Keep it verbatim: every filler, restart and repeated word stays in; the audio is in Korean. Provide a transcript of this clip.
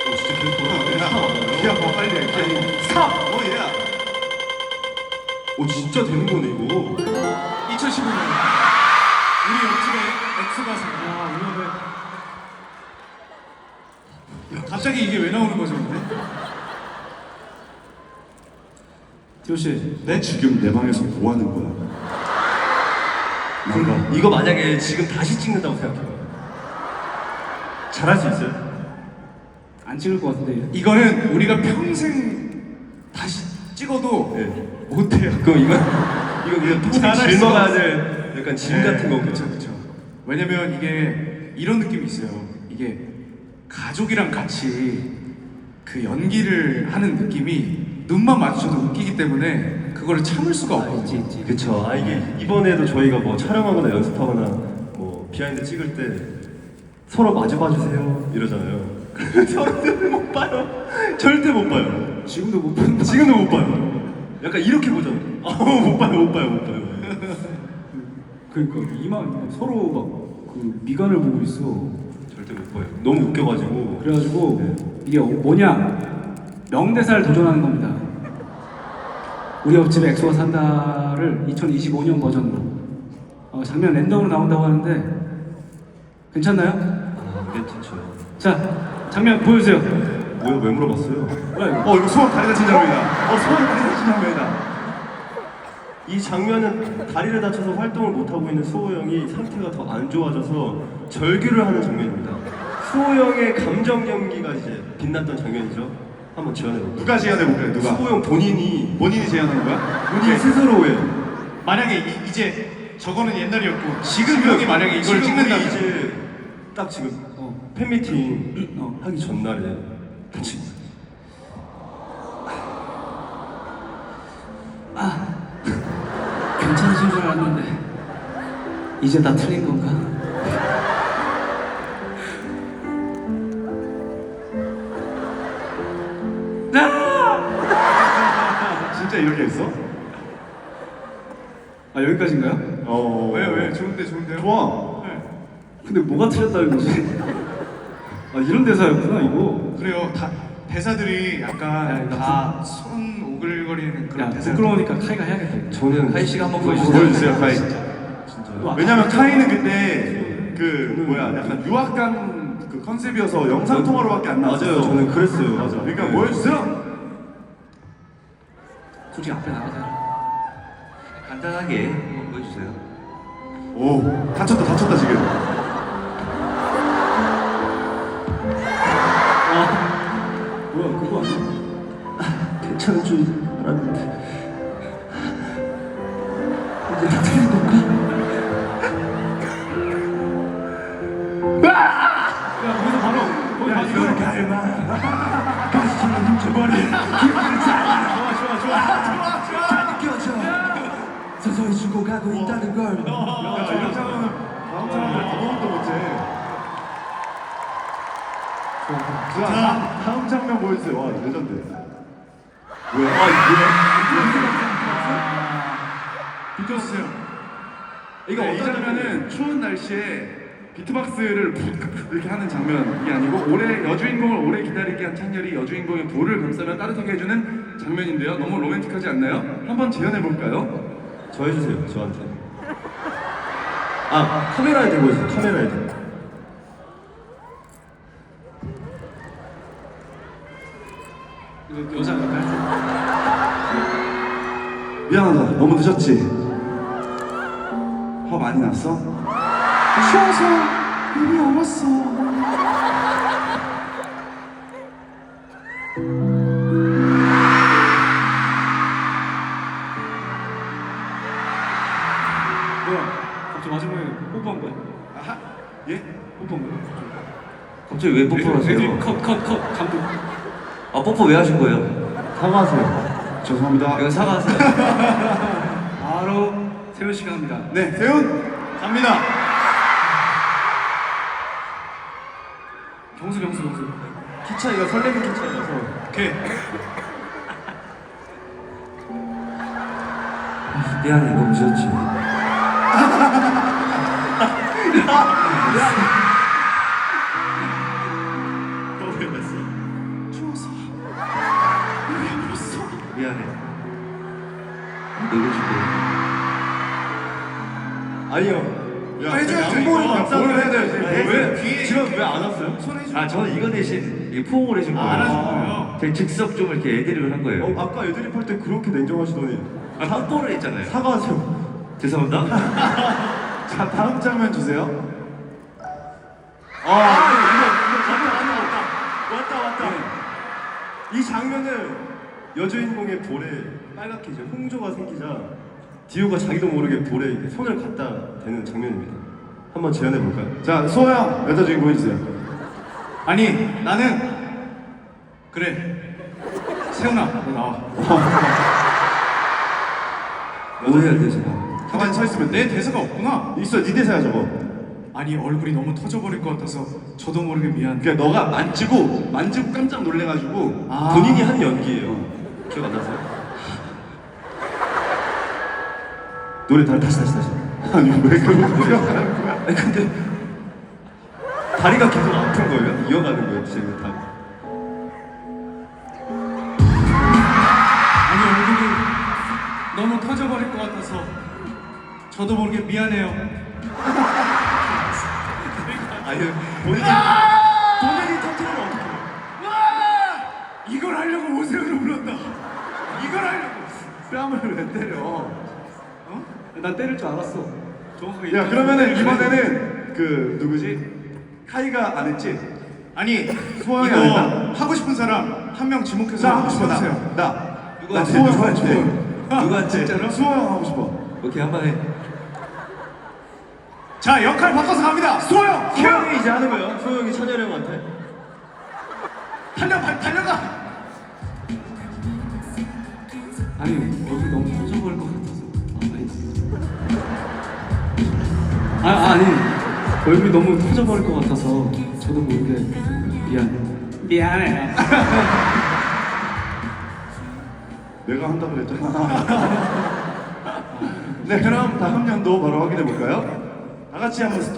오 진짜 계속 돌아가네. 야, 기아 봐 빨리 해. 기아. 삼. 오 예. 오 진짜 되는 거네 이거. 이천십오 년 우리 옆집에 엑소가 생겨. 야, 우리 옆에 갑자기 이게 왜 나오는 거죠, 근데? 디오 씨, 내 지금 내 방에서 뭐 하는 거야? 그럼 이거 만약에 지금 다시 찍는다고 생각해요. 잘할 수 있어요? 안 찍을 것 같은데. 이거는 우리가 평생 다시 찍어도 네. 못해요. 그럼 이건 이거 그냥 톡 잘할 수가 짊어가야 없어. 될 약간 짐 같은 거고. 그렇죠, 그렇죠. 왜냐면 이게 이런 느낌이 있어요. 이게 가족이랑 같이 그 연기를 하는 느낌이 눈만 마주쳐도 웃기기 때문에 그거를 참을 수가 없거든요. 그쵸. 아 이게 이번에도 저희가 뭐 촬영하거나 연습하거나 뭐 비하인드 찍을 때 서로 마주봐 주세요 이러잖아요. 서로는 못 봐요. 절대 못 봐요. 지금도 못 보는 지금도 못 봐요. 약간 이렇게 보잖아. 아못 봐요, 못 봐요, 못 봐요. 그러니까 이만 서로 막 그 미간을 보고 있어. 절대 못 봐요. 너무 웃겨가지고. 그래가지고 네. 이게 뭐냐 명대사를 도전하는 겁니다. 우리 옆집에 엑소가 산다를 이천이십오 년 버전으로 어, 장면 랜덤으로 나온다고 하는데 괜찮나요? 아 괜찮죠. 자 장면 보여주세요. 뭐야 왜 물어봤어요? 뭐야 이거? 어 이거 소원 다리 다친 장면이다. 어 소원 다리 다친 장면이다. 이 장면은 다리를 다쳐서 활동을 못 하고 있는 수호 형이 상태가 더 안 좋아져서 절규를 하는 장면입니다. 수호 형의 감정 연기가 이제 빛났던 장면이죠. 한번 지원해 볼까요? 누가 재현해 볼까요? 누가? 수호 형 본인이 본인이 재현하는 거야? 본인 스스로예요. 만약에 이, 이제 저거는 옛날이었고 지금 형이 만약에 이걸 지금 찍는다면 우리 이제 딱 지금 어. 팬미팅 어. 하기 전날에 같이 괜찮으신 줄 알았는데 이제 다 틀린 건가? 진짜 이렇게 했어? 아 여기까지인가요? 어. 왜 왜? 좋은데 좋은데요? 좋아. 네. 근데 뭐가 틀렸다는 거지? 아 이런 대사였구나 이거. 그래요. 다 대사들이 약간 다 손 오글거리는 그런 대사. 부끄러우니까 카이가 해야겠다. 이거. 저는 카이 씨가 한번 보여주세요. 보여주세요, 카이. 진짜요. 왜냐면 카이는 그때 그 뭐야 약간 유학간 그 컨셉이어서 영상 통화로밖에 안 나왔어. 맞아요. 저는 그랬어요. 맞아. 그러니까 네. 보여주세요. 솔직히 앞에 나가자. 간단하게 한번 보여주세요. 오 다쳤다 다쳤다 지금. 아 뭐야 그거 아니야? 괜찮은 줄 알았는데 이제 다 틀린 건가? 야 거기서 바로 거기 야 바로 이걸 갈마. 가슴을 훔쳐버린 기분을 잘. 좋아 좋아 좋아. 다 느껴져. 서서히 죽어가고 있다는 걸. 야 이런 장면은 다음 사람들 아무것도 못해. 좋아. 자 다음 장면 보여주세요. 와 레전드. 왜? 아 비켜주세요. 이거 네, 이 어떤 장면은 추운 날씨에 비트박스를 이렇게 하는 장면이 아니고 올해 여주인공을 오래 기다리게 한 창렬이 여주인공의 볼을 감싸며 따뜻하게 해주는 장면인데요. 너무 로맨틱하지 않나요? 한번 재현해 볼까요? 저 해주세요. 저한테. 아 카메라에 대고 있어. 카메라에 대고. 이거 여자 아닐까요? 미안하다. 너무 늦었지. 화 많이 났어? 쉬어서 이미 얼었어. 뭐야? 갑자기 마지막에 뽀뽀한 거야? 아하? 예? 뽀뽀한 거야? 갑자기 왜 뽀뽀를 하세요? 컷컷컷 감독. 아 뽀뽀 왜 하신 거예요? 사과하세요. 죄송합니다. 이거 사과하세요. 바로 세훈 씨가 합니다. 네, 세훈 갑니다. 경수 경수 경수. 키 차이가 설레는 키 차이라서. 오케이. 미안해 너무 늦었지. 너왜 났어? 아니요. 야, 해줘야죠, 양보를 이거. 감싸는 뭘 해야 돼, 지금. 왜? 뒤에 지금 왜 안 왔어요? 손 해줘. 아 저는 이거 대신 이 포옹을 해준 거예요. 아, 안 하신 거예요? 제가 즉석 좀 이렇게 애드립을 한 거예요. 어, 아까 애드립 할 때 그렇게 냉정하시더니 아 뽀뽀를 했잖아요. 사과하세요. 죄송합니다. 자, 다음 장면 주세요. 아, 이거 이거 장면 아니야. 왔다 왔다. 이 장면은 여주인공의 볼에 빨갛게 이제 홍조가 생기자 디오가 자기도 모르게 볼에 이렇게 손을 갖다 대는 장면입니다. 한번 재현해 볼까요? 자, 수호 형 여자 주인공 해주세요. 아니 나는 그래 세훈아 너 나와. 뭐 해야 돼 제가? 가만히 서 있으면 돼. 내 대사가 없구나. 있어, 네 대사야 저거. 아니 얼굴이 너무 터져버릴 것 같아서 저도 모르게 미안. 그냥 너가 만지고 만지고 깜짝 놀래가지고 아. 본인이 한 연기예요. 기억 안 나세요? 노래 다 다시 다시 다시. 아니 왜 그걸 기억하는 거야? 아니 근데 다리가 계속 아픈 거예요? 이어가는 거예요 지금 다. 아니 얼굴이 너무 터져버릴 것 같아서 저도 모르게 미안해요. 아니 본인이 본인이 터트리면 어떡해? 이걸 하려고 오세훈을 불렀다. 이걸 하려고. 뺨을 왜 때려? 어? 난 때릴 줄 알았어. 정확하게. 야 그러면은 이번에는 그 누구지? 카이가 안 했지? 아니 수호 형이 이거 안 했나? 하고 싶은 사람 한 명 지목해서 자 하고 싶어 나. 해주세요. 나. 나 누구한테? 수호 형 하고 누구한테? 싶어. 누구한테? 진짜로? 수호 형 하고 싶어. 오케이 한번 해. 자 역할 바꿔서 갑니다. 수호형 소영이 이제 하는 거예요. 소영이 찬열이 형한테. 달려 달- 달려가. 아니 얼굴 너무 터져버릴 것 같아서. 아, 아니. 아 아니 얼굴이 너무 터져버릴 것 같아서 저도 모르게 미안. 미안해. 내가 한다 그랬잖아. 네 그럼 다음 연도 바로 확인해 볼까요? 다 같이 한번 스톱.